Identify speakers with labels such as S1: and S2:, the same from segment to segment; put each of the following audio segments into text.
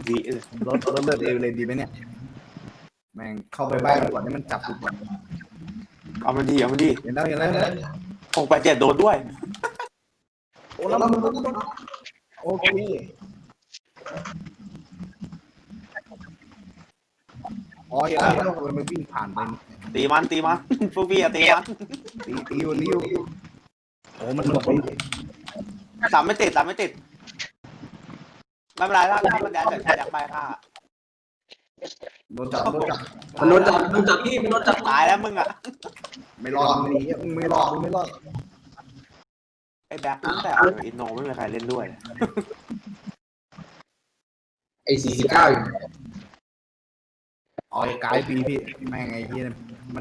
S1: วิเลย
S2: รถเลือดเอวเลยดีไหมเนี่ยแม่งเข้าไปบ้านก่อนให้มันจับกูก่อน
S1: เอามันดีเ
S2: ห็นแล้ว
S1: 687โดนด้วย
S2: โอ้แล้วมันโอเคอ๋อเห็นแล้วมันวิ่งผ่านไป
S1: ตีมันพวกพี่อะตีมัน
S2: ตีอยู่โอ้มันหลบไป
S1: ตามไม่ติดไม่เป็นไรถ้ามันอยากไปค่ะ
S2: โดนจับ
S3: พี่มันโดนจับ
S1: ตายแล้วมึงอะ
S2: ไม่รอดมึงไม่รอด
S1: ไอ้แบ็คตั้งแต่อินโนไม่มีใครเล่นด้วย
S3: ไอ้49อยู่
S2: อ๋อกายปีพี่แม่งไอ้ที่มัน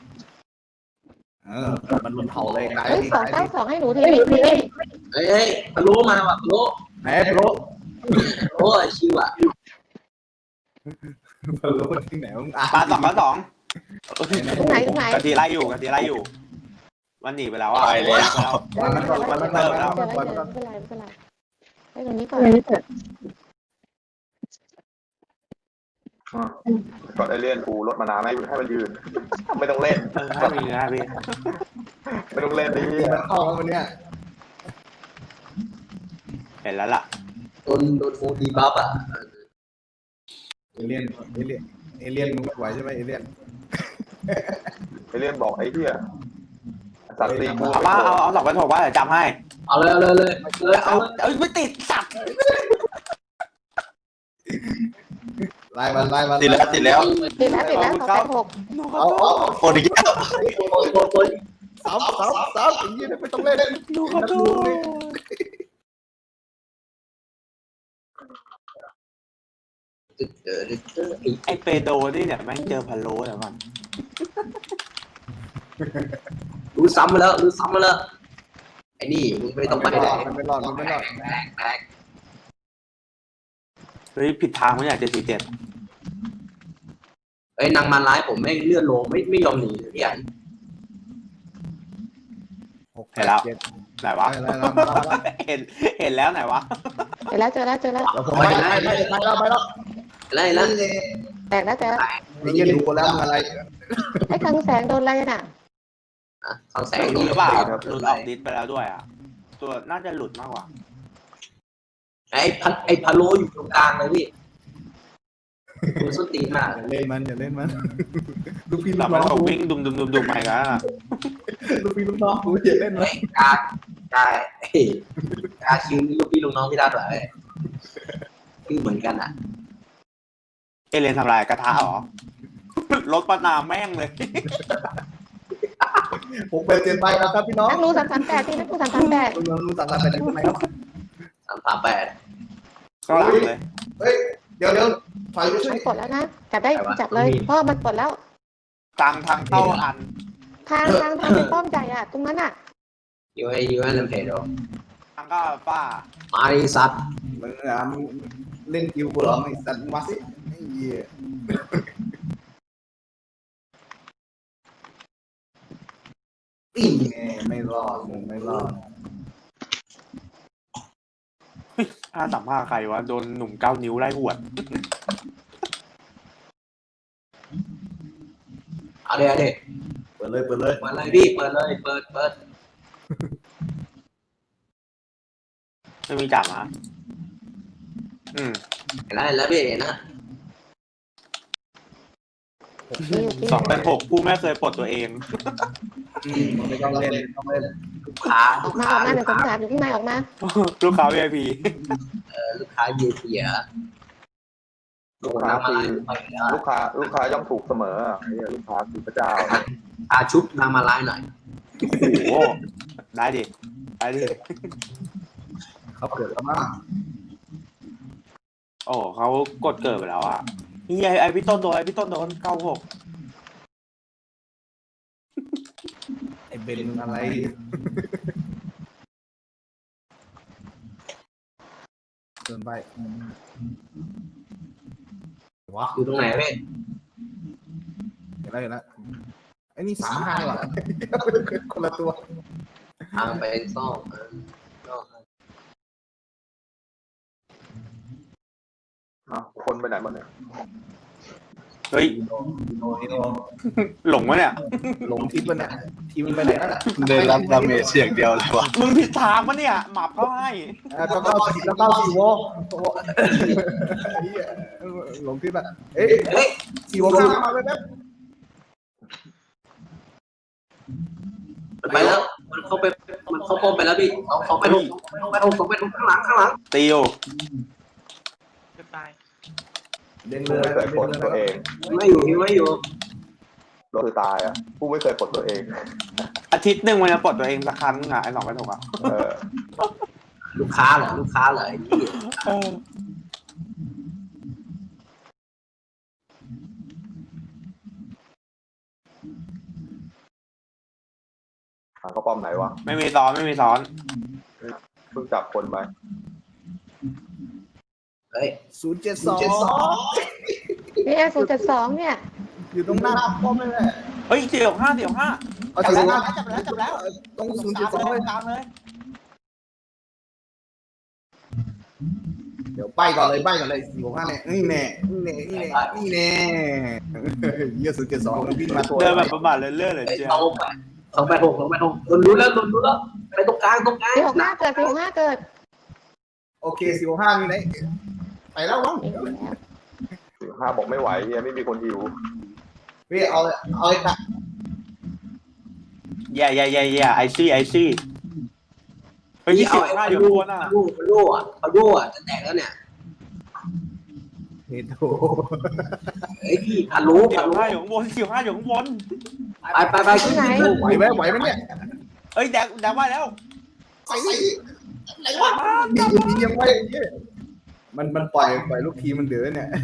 S2: มันรุนเผาเลยกาย
S4: 292ให้หนูที
S3: เฮ้ยพะโล้มาว่ะพะโล้
S2: ไหนพะโล้
S3: โอ้ยชิวอ่ะ
S2: พะโล้ที่ไหนมึง
S1: ปลา2
S4: ตรงไหน
S1: กะทิไล่อยู่มันหนีไปแล้วอ่ะ
S2: ไปแล้วมัน
S4: ไม่เป็นไรให้ตรงนี้ก่อน
S5: ก่อนไอเล่นกูรถมานาให้มันยืนไม่ต้องเล่น
S1: ให้มีนะพี่
S5: ไม่ต้องเล่นดิ
S2: มันเข้าวันเนี้ย
S1: เห็นแล้วล่ะ
S3: โดนโฟดีบัฟอ่ะ
S2: เอเลี่ยนมึงไหวใช่ไหมเอเลี่ยน
S5: บอกไอ้เหี้ยสัตว์ตีกู
S1: เอา2,600ว่าเดี๋ยวจำให้
S3: เอาเลย
S1: เอาไม่ติดสัตว์
S2: ไล่มัน
S4: ติดแล้ว286
S2: เอา
S4: โอ้ย
S2: ซ้ำอย่างนี้ไม่ต้องเล่น
S1: ดูเขาดูไอเปโดนี่เนี่ยแม่งเจอพะโล้แล้วมัน
S3: รู้ซ้ำมาแล้วไอ้นี่มึงไม่ต้องไปไหน
S2: ไม่รอด
S3: แตก
S1: เฮ้ยผิดทางมั้ยเนี่ย747
S3: ไอ้นางมันร้ายผมไม่เลื่อนโลไม่ยอมหนีพี่อัน
S1: เห็นแล้วไหนวะเห็นแล้วไหนวะ
S4: เห็นแล้วเจอแล้ว
S2: ไปแล้ว
S4: แตกแล้ว
S2: นี่ยืนดูแล้วอะไร
S4: ไอ้คังแสงโดนอะไรน่ะ
S3: คังแสง
S1: หลุดหรือเปล่าหลุดออกดิสไปแล้วด้วยอ่ะตัวน่าจะหลุดมากกว่า
S3: ไอ้พะโล้อยู่ตรงกลางเลยพี่คุณส้นตีนมาก
S2: อย่าเล่นมันลูกพี่ลู
S1: แต่
S2: ก
S1: มั
S2: น้
S1: น
S2: อง
S1: วิ่งดุมไปกัน
S2: ลูกพี่ลูกน้องกูอย่าเล่นมัน
S3: กาคิวลูกพี่ลูกน้องพี่ได้เหรอคือเหมือนกันอ่ะ
S1: เอเลนทำอะไรกระทะหรอรถปนาแม่งเลย
S2: ผมไปเจนไปครับพี่น้อง
S4: นักรู้338ที่นักรู้338
S2: รู้338ได้ไหมครับ
S3: 338
S1: ข้างหลังเลย
S2: เฮ้ยเดี๋ยวถอยไปช่วย
S4: ปลดแล้วนะจับได้จับเลยเพราะมันปลดแล้ว
S1: ทางเข้าอัน
S4: ทางเป็นป้อมใหญ่อ่ะตรงนั้นอ่ะ
S3: อยู่ให้ลำเพจดู
S1: ทางก็ป้า
S3: มาดิสัตว์
S2: มึงเล่นคิวกูหรอไอ้สัตว์มาสิไอ้เหี้ยไม่รอด
S1: 535ใครวะโดนหนุ่ม9 นิ้วไล่หวด
S3: เอาเลย
S2: เปิดเลย
S3: พี่เปิด
S1: ไม่มีจับนะ
S3: เห็นแล้วพี่นะ
S1: 286ผู้ไม่เคยปลดตัวเอง
S2: ไม่ต้องเล่น
S3: ลูกค้า
S4: ออกมาเดี๋ยวผมถามอยู่ที่ไหนออกมา
S1: ลูกค้า VIP
S3: ลูกค้า VIP อ่ะ
S5: ลูกค้าย่อมถูกเสมอลูกค้าคือพระเจ้า
S3: ชุบนางมาไล่หน่อย
S1: โอ้ได้ดิ
S2: เขาเกิดแล้วมั้ง
S1: โอ้เขากดเกิดไปแล้วอ่ะนี่ไอพี่ต้นโดน96
S2: ไอเบนอะไรเดินไปวะ
S3: อยู่ตรงไหนพี่
S2: เห็นแล้วไอ้นี่35หรอคนละตัว
S3: ทางไปซ่อม
S5: คนไปไหนหมดเนี่ย
S1: เฮ้ย
S2: โน
S1: หลงวะเนี่ย
S2: หลงทิศมันเนี่ยทีมันไปไหนแล้วน่ะ
S6: ได้รับดาเมจเสียงเดียวเลยวะ
S1: มึงผิดทางปะเนี่ยหมับเขาให้
S2: ก็เข้าสี่โวหลงทิศอ่ะเอ้ยสี่โวข้ามมาเลยแป๊บ
S3: ไปแล้วมันเข้าป้อมไปแล้วพี่สองไปหกข้างหลัง
S1: ตีอยู่
S2: เด้ง
S5: ผู้
S2: เลย
S5: ไม่เคยปลดตัวเอง
S3: ไม่อยู่
S5: ก็คือตายอ่ะผู้ไม่เคยปลดตัวเอง
S1: อาทิตย์หนึ่งมันจะปลดตัวเองสักครั้งอ่ะไอ้หลอกไปถูกอ่ะ
S5: เออ
S3: ลูกค้าเหรอไอ้นี่
S1: เออ
S5: หาเขาป้อมไหนวะ
S1: ไม่มีซ้อน
S5: เพิ่งจับคนไป
S3: เฮ้ย
S2: 072
S4: เนี่ย0.2เนี่ย
S2: อยู่ตรงหน้าป้อมเลยแหละ
S1: เฮ้ยเสี่ยวห้า
S2: เอา
S1: จั
S2: ถึง
S1: บแล้ว
S2: ตรง0.2เลย
S1: ตามเลย
S2: เดี๋ยวใบก่อนเลย465เนี่ยนี่แน่เยี่ย0.2วิ่งมาตัว
S1: เดินแบบประมาทเรื่อยๆเลยเจ้า
S3: สองไปหกโดนรู้แล้วไปตรงกลาง
S4: 465เกิด465เกิด
S2: โอเค465มีไหนไปแล้วมั้ง
S5: 5บอกไม่ไหวเฮียไม่มีคนหิว
S2: พี่เอาไอ้ตะ
S1: แย่ไอซี่เฮ้ยที่15อยู่ข้างบนอ่ะ
S3: โล่อะจะแตกแล้วเนี่ย
S2: เฮ้ยโถ
S3: เฮ้ยพี่พารู้
S1: เสี่ยวห้าอยู่ข้างบน
S3: ไป
S4: ที่ไหน
S2: ไหวไหมเนี่ย
S1: เอ้ยแดกว่าแล้ว
S2: ไปไหนวะยังไม่มันปล่อยลูกทีมันเดือเนี่ย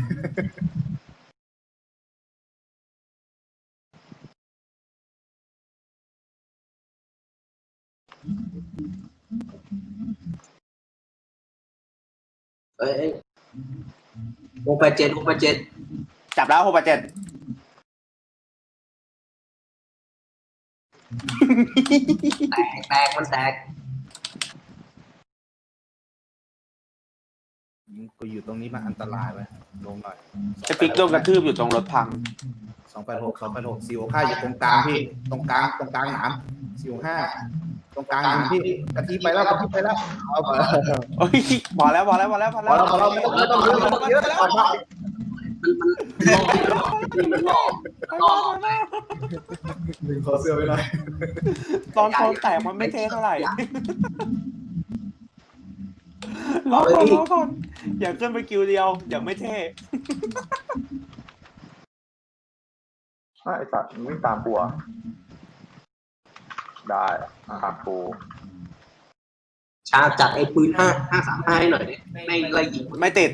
S3: เฮ้ย687
S1: จับแล้ว6 8 7
S3: แตกมันแตก
S2: กูอยู่ตรงนี้มันอันตรายไหมลงหน่อย
S1: ไอ้ฟิกโดนกระทืบอยู่ตรงรถพัง
S2: 286 465อยู่ตรงกลางพี่ตรงกลางหนาม465ตรงกลางหนามพี่กะทิไปแล้วเอาไป
S1: เฮ้ยพอแล้ว
S2: พอแล้วไม่ต้องเยอะแล้วดึงคอเสื้อไปหน่อย
S1: ตอนโซนแตกมันไม่เท่เท่าไหร่รอก่อนอย่าขึ้นไปคิวเดียวอย่าไม่เท่
S5: ไอ้สัตว์วิ่งตามปัวได้ตามปู
S3: ชาจัดไอ้ปืน535ให้หน่อยดิไม่ไล่ยิง
S1: ไม่ติด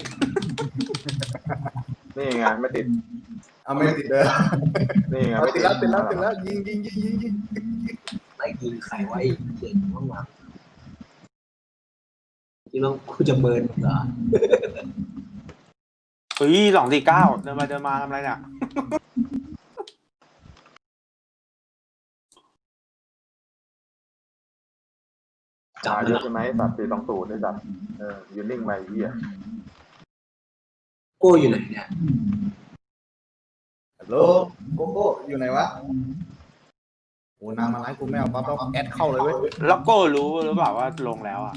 S5: นี่ไงไม่ติด
S2: เอาไม่ติดเลย
S5: นี่ไง
S2: ติดแล้วยิง
S3: ไล่ยิงใครไว้เจ๋งมากๆที่น้องกูจะเมินเหรอ
S1: เฮ้ย249เดินมาทำอะไรเนี่ย
S3: จับ
S5: เย
S3: แล้
S5: อะ
S3: ว
S5: ใช่ไหมสัตว์420ได้สัตว์ยืนนิ่งไปเฮีย
S3: โก้อยู่ไหนเนี่ย
S2: ฮัลโหลโกโก้อยู่ไหนวะโอ้นางมาไล่กูไม่เอาปั๊บแล้วแอดเข้าเลยเว้ย
S1: แล้วก็รู้หรือเปล่าว่าลงแล้วอ่ะ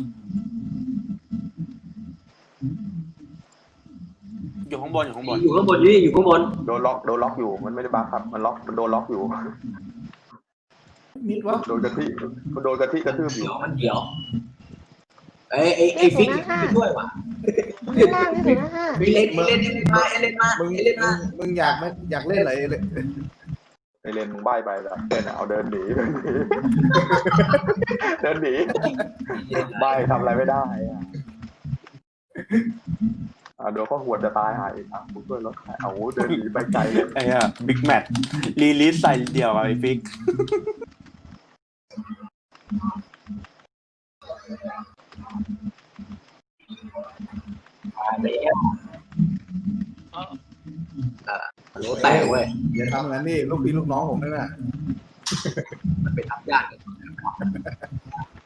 S1: อยู่ข้างบน
S3: อยู่ข้างบนนี่อยู่ข้างบน
S5: โดนล็อกอยู่มันไม่ได้บั๊กครับมันโดนล็อกอยู่
S2: นิดวะ
S5: โดนกระทืบอยู่
S3: เดี๋ยวไอ้ฟิกไม่ช่วยว่ะ
S4: ข้างล่างนี่055
S3: เล่นมา
S2: มึงอยากเล่นอะไรเลย
S5: ไอเลนมึงใบ้ไปแล้วเอาเดินหนีใบ้ทำอะไรไม่ได้โดนข้อหวดจะตายหายอีกกูช่วยรถหายเอาเดินหนีไปไกลเลย
S1: ไอ้อะบิ๊กแมทรีลิสใส่เดี่ยวไอ้ฟิก
S3: โหแตกเว้ย
S2: อย่าทำงั้นนี่ลูกพี่ลูกน้องผมนั่นน่ะ
S3: มันไปทำยาก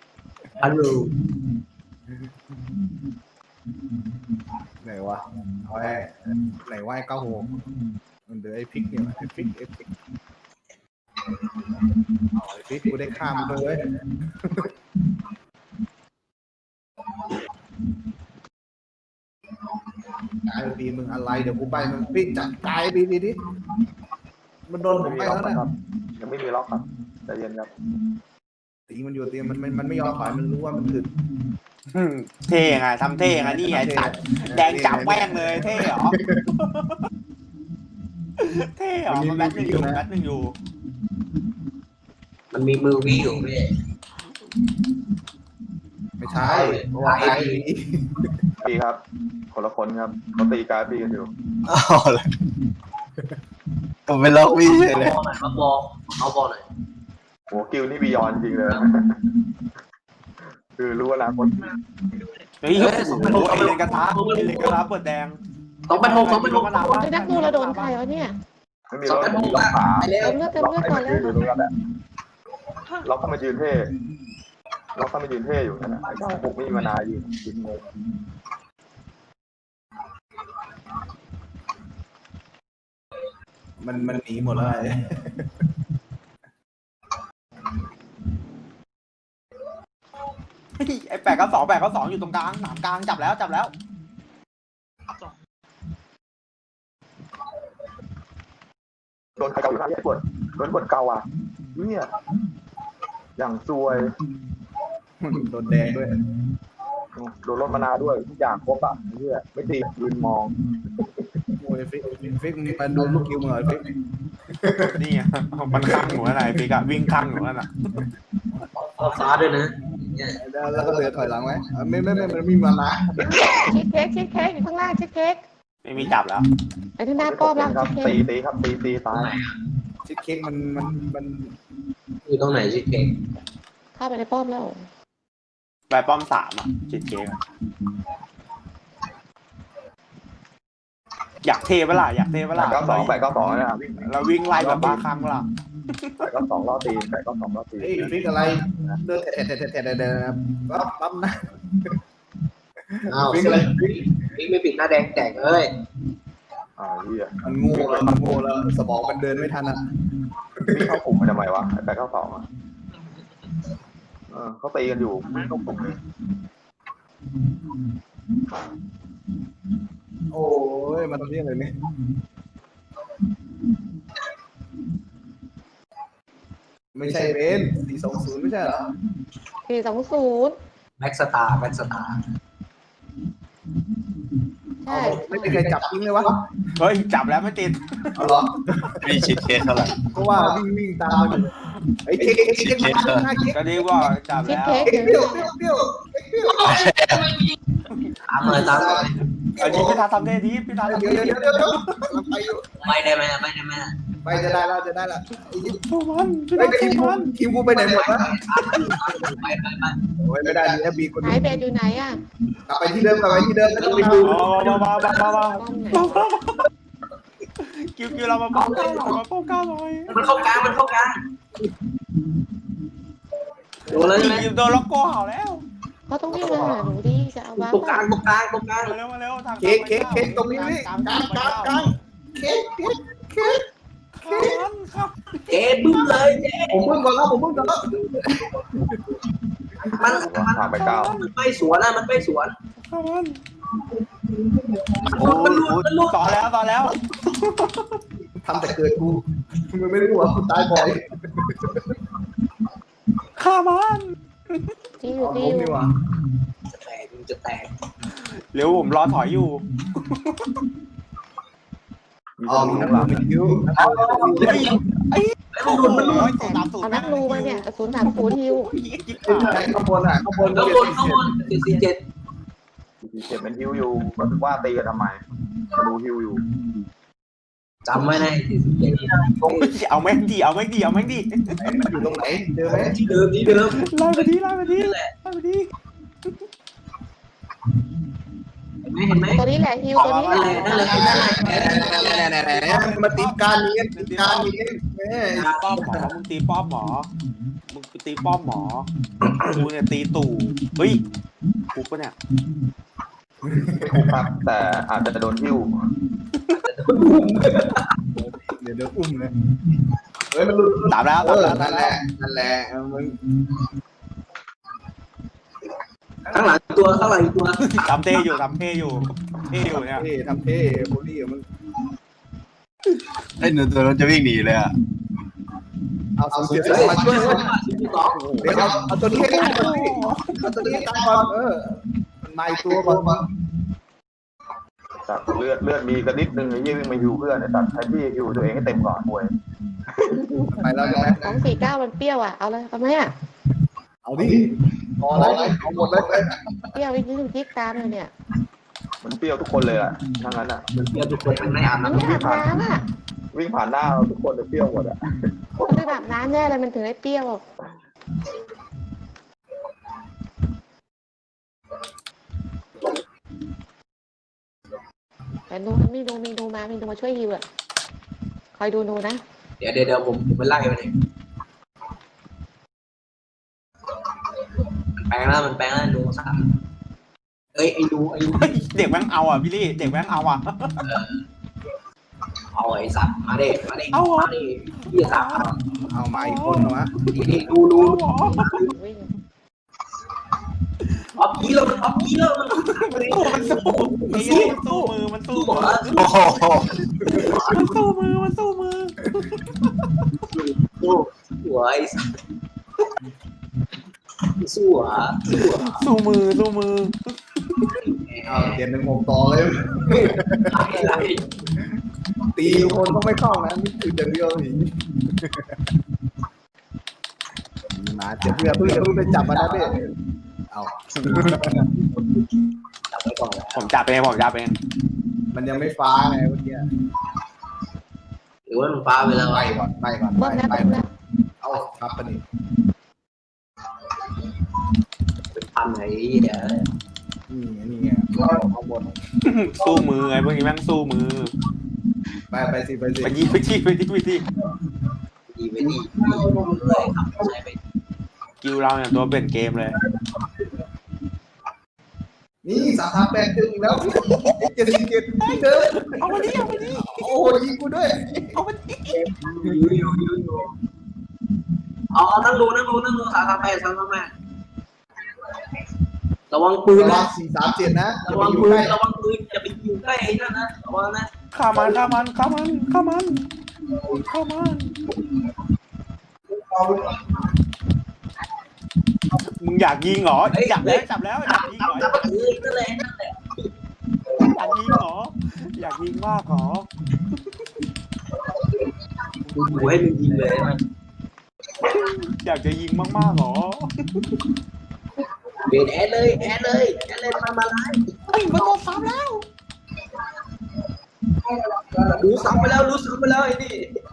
S3: ฮัลโหล
S2: ไหนวะอ๋อไว้ไหนว่า96มันเดือไอ้พริกเนี่ยไอ้พริกเอาไอ้พริกกูได้ข้ามมันเลยไอ้บีมึงอะไรเดี๋ยวกูไปมึงพริกจัดตายบีดิมันโดนผมไปแล้วนะ
S5: ยังไม่มีล็อกครับใจเย็นครับ
S2: ตีมันอยู่ตีมันไม่ยอมถอยมันรู้ว่ามันถึก
S1: เท่ไงทำเท่ไงนี่ไงตัดแดงจับแม่งเลยเท่เหรอเท่เหรอมันแบทหนึ่งอยู่
S3: มันมีมือวิอยู่พี่
S2: ไม่ใช่เพราะว่าไอ้
S5: ปีครับคนละคนครับเขาตีการปีกันอยู่
S6: เอาเลยผมเป็นล็อกวี่เลย
S3: บอลหน่อยมาบอลเอาบอลหน่อย
S5: โหกิลนี่บียอนจริงเลยคือรู้อนาคต
S1: เฮ้ยโอ้ยเลนกระทะเปิดแดง
S3: 2-6
S4: ไอ้นักดูเราโดนใครวะเนี่ย
S5: ไม่มีรถล็อกขา
S3: ไปแล้ว
S4: เติมเลือดก่อนแล้ว
S5: อยู่ตรงนั้นแหละล็อกเข้ามายืนเท่ล็อกเข้ามายืนเท่อยู่นั่นแหละไอ้เจ้าปุกไม่มีมานายืนงง
S2: มันหนีหมดเลย
S1: ไอ้892อยู่ตรงกลางหนามกลางจับแล้ว
S5: โดนใครเกาอยู่ข้างที่ปวดโดนปวดเกาอ่ะเนี่ยอย่างซวย
S2: โดนแดงด้วย
S5: โดนรถมานาด้วยทุกอย่างครบอ่ะเนี่ยไม่ตียืนมอง
S2: โอ้ยฟิกมึงไปดูลูกคิวมึงเหรอฟิก
S1: นี่ไงมันข้างหนูอะไรปีกอะวิ่งข้างหนูนั่นน่ะ
S3: ฟ้าด้วยนะ
S2: แล้วก็เดือถอยหลังไว้ไม่มันมีมานะ
S4: ชิคเค้กอยู่ข้างล่างชิคเค้ก
S1: ไม่มีจับแล้ว
S4: ไอ้ที่หน้าป้อมแล้ว
S5: ครับ
S4: ชิคเค้ก
S5: ตีครับตีตาย
S2: ชิคเค้กมัน
S3: อยู่ตรงไหนชิคเค้ก
S4: เข้าไปในป้อมแล้ว
S1: ไปป้อม3อ่ะจิตเค้กอยากเทเวลา
S5: 892นะครับ
S1: เราวิ่งไล่แบบบ้าคลั่งเวลา
S5: 892ล้อตีน892ล้อตีน
S2: เฮ้ยฟิกอะไรเดินแถะปั๊มนะ
S3: อ้าวพี่ไม่ปิดหน้าแดงแตกเลย
S5: เหี้ย
S2: มันโง่แล้วสมองมันเดินไม่ทันอ่ะ
S5: นี่เข้ากลุ่มมาทำไมวะ892อ่ะเขาตีกันอยู่ไม่เข้ากลุ่มเลย
S2: โอ้ยมันเรียกอะไรเนี่ยไม่ใช่เบน420ไม่ใช่เหรอ
S4: 420
S3: แบ็กสตาร์
S4: ใช่
S2: ไม่มีใครจับทิ้งเลยวะ
S1: เฮ้ยจับแล้วไม่ติด
S2: เอาเหรอ
S6: มีชิดเคสเท่าไหร่
S2: ก็ว่าวิ่งตามมันไอ้เค้กมาเค้ก
S1: ก็ดีว่าจับ
S4: ชิค
S1: แล้ว
S4: เค้ก
S2: เปรี้ยว
S3: ตามเลย
S1: อันนี้พี่ทาทำได้ดีพี่ทาทำ
S2: เดี๋
S1: ได้
S2: ยว
S1: ดี
S2: ไปอยู่
S3: ไม่ได้ไหม
S2: ไปจะได้แล้ว
S1: สู้มันพี่
S2: ไอ้
S1: ทาสู้มัน
S2: คิวกูไปไหนหมดวะ
S3: ไป
S2: โอ้ยไม่ได้ดีนะบีคน
S4: หายเบสอยู่ไหนอ่ะ
S2: กลับไปที่เดิมแล้วก็ไปดู
S1: มา
S4: ป้อมไหน
S1: คิวเรามาป้องก้าวหน่อย
S3: มันเข้ากลางโดนเลยไหม
S1: ยิมโดนล็อกโก้เห่าแล้ว
S4: เขาต้องวิ่งมาหาหนูดิจะเอาบ้า
S3: ตรงกลาง
S1: มาเร็วทาง
S2: เค้กตรงนี้นี่กลางเค้ก
S1: ครับ
S3: เจ๊บึ้มเลยเจ๊
S2: ผมเพิ่งก่อนแล้ว
S3: มันไม่สวนมันไม่สวน
S1: ครับมัน
S3: มันหลุด
S1: ต่อแล้ว
S2: ทำแต่เกิดกูมันไม่รู้ว่ากูตายบ่อย
S1: ฆ่ามัน
S4: ที่อยู่
S2: ผมนี่หว่า
S3: จะแตก
S1: เร็วผมรอถอยอยู่
S2: อ๋อมึงนั่งหลับคิว
S1: มันหลุด
S4: เอานักรูมาเนี่ย030ฮิว
S2: ข้างบน
S3: ข้างบน47
S5: เจ็บเป็นฮิวอยู่ก็ถึงว่าตีกันทำไมมาดูฮิวอยู่
S3: จำไว้นะ47
S1: เอาแม่งดี
S2: มันอยู่ตรงไหนเจอไหม
S3: ที่เดิม
S1: ไล่ไปดี
S3: เห็นไหม
S4: ตัวนี้แหละฮิวตัวนี้แหละ
S3: นั่นเลย
S2: มาตีการนี้แม่
S1: ตีป้อมหมอมึงตีป้อมหมอกูเนี่ยตีตู่เฮ้ยกูปะเนี่ย
S5: ไม่คุกครับ แต่อาจจะโดนหิ้ว
S2: เดี๋ยวอุ้มเลยเฮ้ยมันหลุด
S1: ตามแล้ว
S2: เอ
S1: ตาม
S2: อ
S1: แล้ว
S2: นั่นแหละมึง
S3: ข้างหลังอีกตัวข้างหลังอีกตัว
S1: ทำเท่อยู่เนี่ย
S2: เท่ทำเท่โบลี่มึง
S6: ไอ้หนูตัวนั้นจะวิ่งหนีเลยอ่ะ
S2: เอาเสีย
S3: เฮ้ย
S2: มา
S3: ช่
S2: ช่
S3: ว
S2: วย ย
S3: คนมาทีที่สอง
S2: เดี๋ยวเอาตัวนี้ให้ได้ก่อนพี่เอาตัวนี้ให้ได้ก่อนมันมาอีกตัวก่อน
S5: แต่เลือดมีกันนิดนึงไอ้ยี่วิ่งมาหิวเพื่อนไอ้ตัดให้พี่หิวตัวเองให้เต็มก่อนมวย
S2: ไปแล้วใช่ไหม
S4: 249มันเปรี้ยวอ่ะเอาเลยเอาไหมอ่ะ
S2: เอาดิพอแล้วเอาหมดเลย
S4: เปรี้ยวอีกนิดนึงจิ๊กตามเลยเนี่ย
S5: มันเปรี้ยวทุกคนเลยอ่ะทั้งนั้นอ่ะ
S3: มันเปรี้ยวทุกคนมันไม่อาบ
S4: มัน
S3: น้ำ
S4: ไม่อาบน้ำอ่ะ
S5: วิ่งผ่านหน้าเราทุกคนเลยเปรี้ยวหมดอ่ะ
S4: มันไม่อาบน้ำแน่เลยมันถึงได้เปรี้ยวแต่นูมันมีนูมาช่วยฮิวอ่ะคอยดูนูนะ
S3: เดี๋ยวผมไปไล่มันเองมันแปลงแล้วดูสามเอ้ยไอ้ดู
S1: เด็กแม่งเอาอ่ะพี่ลี่เด็กแม่งเอาอ่ะ
S3: เอาไอ้สัตว์มาเด็มาเด็
S1: เอาเหรอ
S3: มาเด็พี่สาม
S2: เอามาอีกคนวะ
S3: นี่ดู
S4: วิ่ง
S3: ออฟกี้แล้วมันออฟกี้แล้วมัน
S1: มันสู้มันสู้มือ
S6: โอ้โห
S1: มันสู้มือ
S3: สู้หัวไอ้สัตว์สู้หัว
S1: สู้มือ
S2: เอาเดี๋ยว1-6ต่อเลย
S3: ไล่
S2: ตีทุกคนต้องไม่เข้านะนี่คือเดี๋ยวเดียวหนีมาเดี๋ยวเพื่อไปจับมันนะพี่เอา
S3: จับไว้ก่อน
S1: ผมจับเอง
S2: มันยังไม่ฟ้าไงเมื่อกี้
S3: หรือว่ามันฟ้าไปแล้ว
S2: ไปก่อน
S4: เบิ้มแล้ว
S2: ไป
S4: เบิ้มแล้ว
S2: เอาครับปะนี่
S3: เป็นพันไหนเนี่ย
S2: นี่ไงเอาหมด
S1: สู้มือไงพวกนี้แม่งสู้มือ
S2: ไปสิ
S1: ไปยิงไปที่
S3: ดีไปดีเลยครับใช้ไป
S1: กิวเราเนี่ยตัวเป็นเกมเลย
S2: นี่3-8 ถึงแล้ว77เดิน
S1: เอามาดิ
S2: โอ้ยิงกูด้วย
S3: อยู่เอานั่งดู338ระวังปืน
S2: ระวั
S3: นะ
S2: ง4-3-7นะอย่า
S3: ระ
S2: ไป
S3: วัง
S2: อยู่
S3: ปืน
S2: ใกล้
S3: ระวังปืนอย่าไปอยู่ใกล้ไอ้นั่นนะระวังนะ
S1: ฆ่ามันมึงอยากยิงเหรอจับแล้วอยากยิงเหรอ
S3: จับนั่นแหละ
S1: อยากยิงเหรออยากยิงมากเหรอ
S3: ดูให้มึงยิงเลยมัน
S1: อยากจะยิงมากๆเหรอ
S3: เบนแอดเลยมาไล่
S1: เฮ้ยมันโดนซ้ำแล้ว
S3: รู้ซ้ำไปแล้วไอ้นี่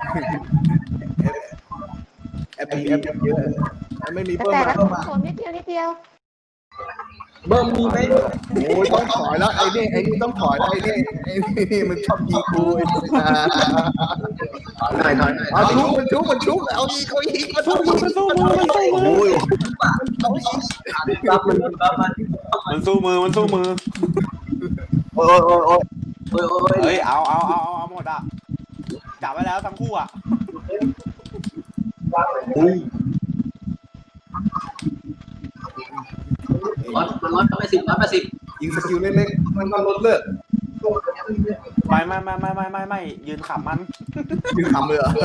S2: แอปเยอะไม่มีเพิ่ม
S4: แต่
S2: มา
S4: ละ
S2: เพิ่มมา
S4: คนนิดเดียว
S3: เบิ้มมีไหม
S2: โอ้ยต้องถอยแล้วไอ้นี่ต้องถอยแล้วไอ้นี่มันชอบยิงกู
S3: ถอย
S2: เอามันชุบเอาอีกมันสู้มือ
S1: มันสู้มือ
S3: รับมัน
S1: มันสู้มือ
S6: โอ้ย
S1: เฮ้ยเอาหมดอ่ะจับไว้แล้วทั้งคู่อ่ะ
S3: 180
S2: ยิงสกิลเล็กๆมันก็ลดเลือด
S1: ไม่ยืนขำมัน
S2: ยืนทำเลยเหรอ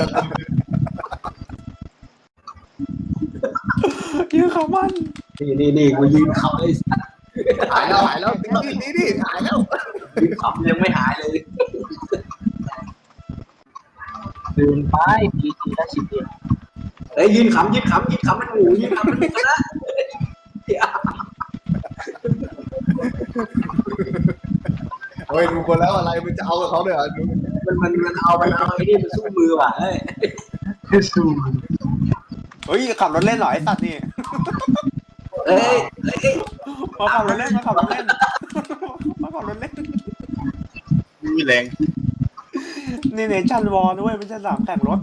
S1: ยืนขำมัน
S3: นี่กูยืนขับเลย
S2: หายแล้วนี่หายแล้ว
S3: ยืนขับยังไม่หายเลยยืนไปทีละ10 เฮ้ยยืนขำมันหูยืนขำมันก็นะ
S2: โอ้ยดูคนแล้วอะไรมันจะเอากับเขาเลยเหรอ
S3: มันเอาไอ้นี่มันสู้มือว่ะเฮ้ย
S1: เฮ้ยขับรถเล่นเหรอไอ้สัตว์นี่
S3: เฮ้ย
S1: มาขับรถเล่น
S6: มีแรง
S1: นี่เนชั่นวอลด้วยไม่ใช่สามแข่งรถ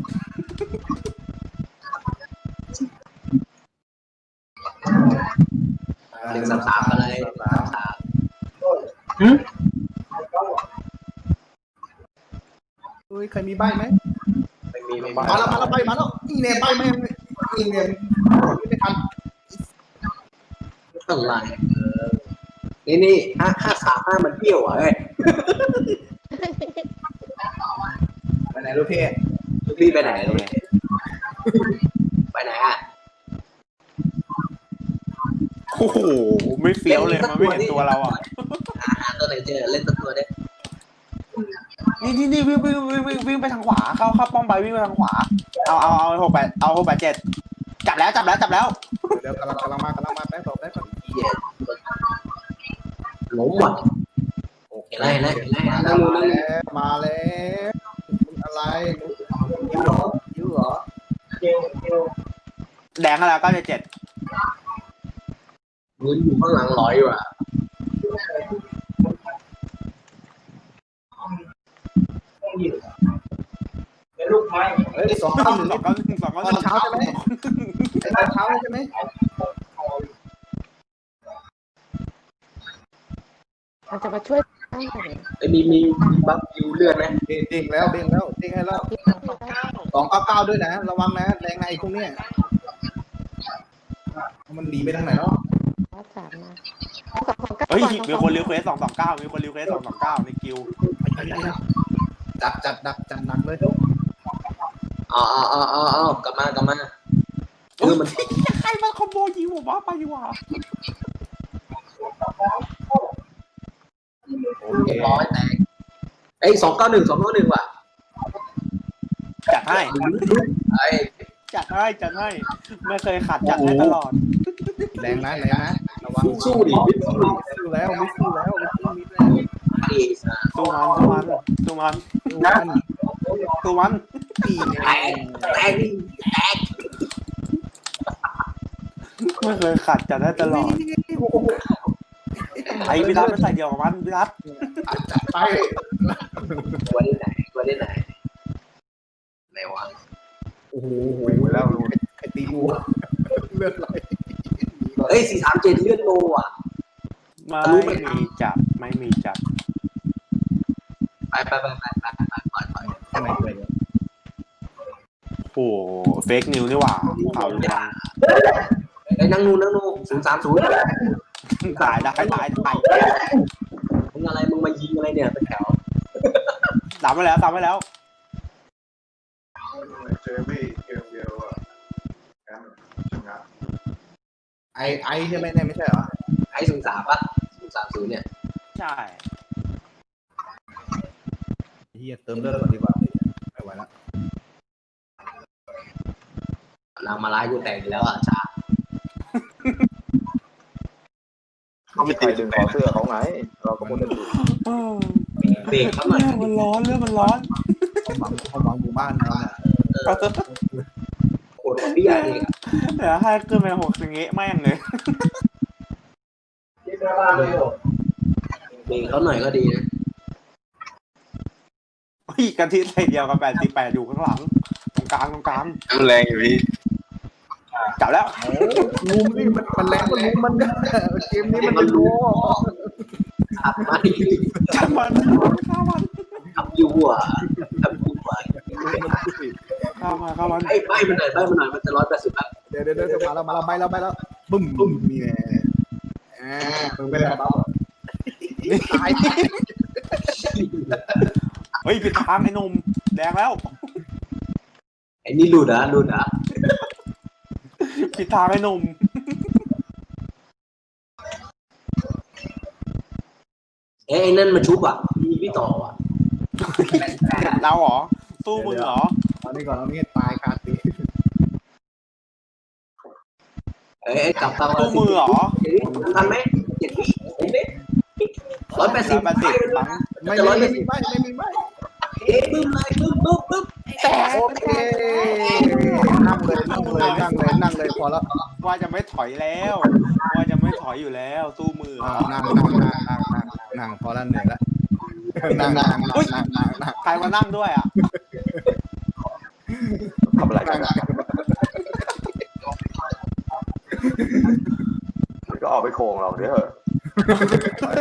S3: 1-3กันเลย
S2: เฮ้ยใครมีใบไหม
S3: ไม่มี
S2: มาแล้วใบมาแล้วนี่เนี่ยใบไม่นี่เนี่ยไม่ทัน
S3: อะไรนี่535มันเปรี้ยวอ่ะเอ้ย
S2: ไปไหนลูกพี่
S3: พี่ไปไหนไปไหนอ่ะ
S1: โอ้โหไม่เฟี้ยวเลยมันไม่เห็นตัวเราอ่ะ
S3: หาตัวไหนเจอเล่นตัวได้
S1: นี่วิ่งไปทางขวาเข้าป้อมไปวิ่งไปทางขวาเอา687จับแล้ว
S2: เดี๋ยวกำลังมาแป๊บแป๊บ
S3: ล้มว่ะเห็นไร
S2: มาแล้วอะไรยิ้วเหรอ
S1: แดงแล้ว977
S3: เงินอยู่ข้างหลังลอยว่ะ
S2: เฮ้ย291ตอนเช้าใช่ไหมตอนเช้าใช่ไหม
S4: มันจะมาช่วยตั้งแต่ไหน
S3: มีบัฟยูเลือดไหม
S2: เด้งให้แล้ว
S4: ที่ทางเขาได้
S2: 299ด้วยนะระวังนะแรงในพวกเนี้ยมันหนีไปทางไหนเนาะ
S4: รับสามมา
S1: เฮ้ยมีคนรีเควส229มีคนรีเควส229ในกิว
S2: จัดหนักเลย
S3: กลับมามัน
S1: ใครมาคอมโบยิงผมว่าไปดีกว่า
S2: โอเค
S3: ร้อยแตกไอ้291ว่ะ
S1: จัดให้
S3: ไอ้
S1: จัดให้ไม่เคยขัดจัดให้ตลอด
S2: แรงนะระวัง
S3: สู้ดิ
S2: ไม่สู้แล้ว
S3: ไอ้
S1: สู้มัน
S2: ตีเนี่ย
S3: แตก
S1: ไม่เคยขัดจัดให้ตลอดไอพิรัตไม่ใส่เดียวกับมันพิรัต
S2: จัดไป
S3: ตัวได้ไหนไหนวะ
S2: โอ้โห
S5: แล้วรู้
S2: ไอ้ตีวัวเลือดไหล
S3: เอ้ย437เลือดโลอ่ะ
S1: ไม่มีจับไป
S3: ปล่อย
S2: ทำไมเลย
S1: โอ้เฟกนิวนี่หว่าข่าวลือ
S3: ไอ้นั่งนู030
S1: ตายได้
S3: มึงอะไรมึงมายิงอะไรเนี่ยเป็นแถว
S1: ตามไปแล้ว
S5: เจอพี่เกมเดียวอะชนะ
S2: ไอใช่ไหมเนี่ยไม่ใช่เหรอ
S3: ไอ้03ป่ะ030เนี่ย
S1: ใช่
S2: เฮียเติมเลือดก่อนดีกว่าไม่ไหวแล้ว
S3: นางมาไล่กูแตกแล้วอ่ะช้า
S5: เขาไม่ตีดึงคอเสื้อเขาไงเราก็พูดกันอยู่
S3: เบรกเขาหน่อย
S1: เรื่องมันร้อน
S2: เขาหวังหมู่บ้านเราเนี่ย
S3: โคตรเบี้ยเอง
S1: เดี๋ยวให้ขึ้นไป6อย่างงี้แม่งเลย
S3: เบรกเขาหน่อยก็ดีนะ
S1: กันที่ใส่เดียวกับ88อยู่ข้างหลังตรงกลาง
S6: แรงอยู่พี่
S1: จับแล้ว
S2: งูนี่มันแรงก็รู้มันเกมนี้มันรู้
S3: ขับมา
S1: จับมันข้ามัน
S3: ขับยูอ่ะ
S1: ข้ามัน
S3: ไอ้ใบมันหน่อยมันจะ180แล้ว
S2: เดี๋ยวมาแล้วไปแล้วบึ้มนี่แน่มึงเป็นอะไรบ้างตาย
S1: เฮ้ยผิดทางไอ้หนุ่มแดงแล้ว
S3: ไอ้นี่หลุดอ่ะ
S1: ผิดทางไอ้หนุ่ม
S3: ไอ้นั่นมาชุบอ่ะมีพี่ต่ออ่ะ
S1: เราเหรอตู้มึงเหรอ
S2: เอานี่ก่อนเอานี่ตายคาตี
S3: ไอ้กลับตาม
S1: ตู้มือเหรอ
S3: ทันไหม7 วิเห็นไหม180
S1: ปัง
S2: ไม่มีใบ
S3: บึ้มเลยบึ้ม
S4: แต่
S2: โอเคนั่งเลยพอแล้ว
S1: ว่าจะไม่ถอยแล้วว่าจะไม่ถอยอยู่แล้วตู้มือเหรอ
S2: นั่งพอแล้วเหนื่อยแล้วนั่ง
S1: ใครมานั่งด้วยอ่ะ
S5: ทำอะไรกันก็ออกไปโค้งเราเดี๋ยวเถอะ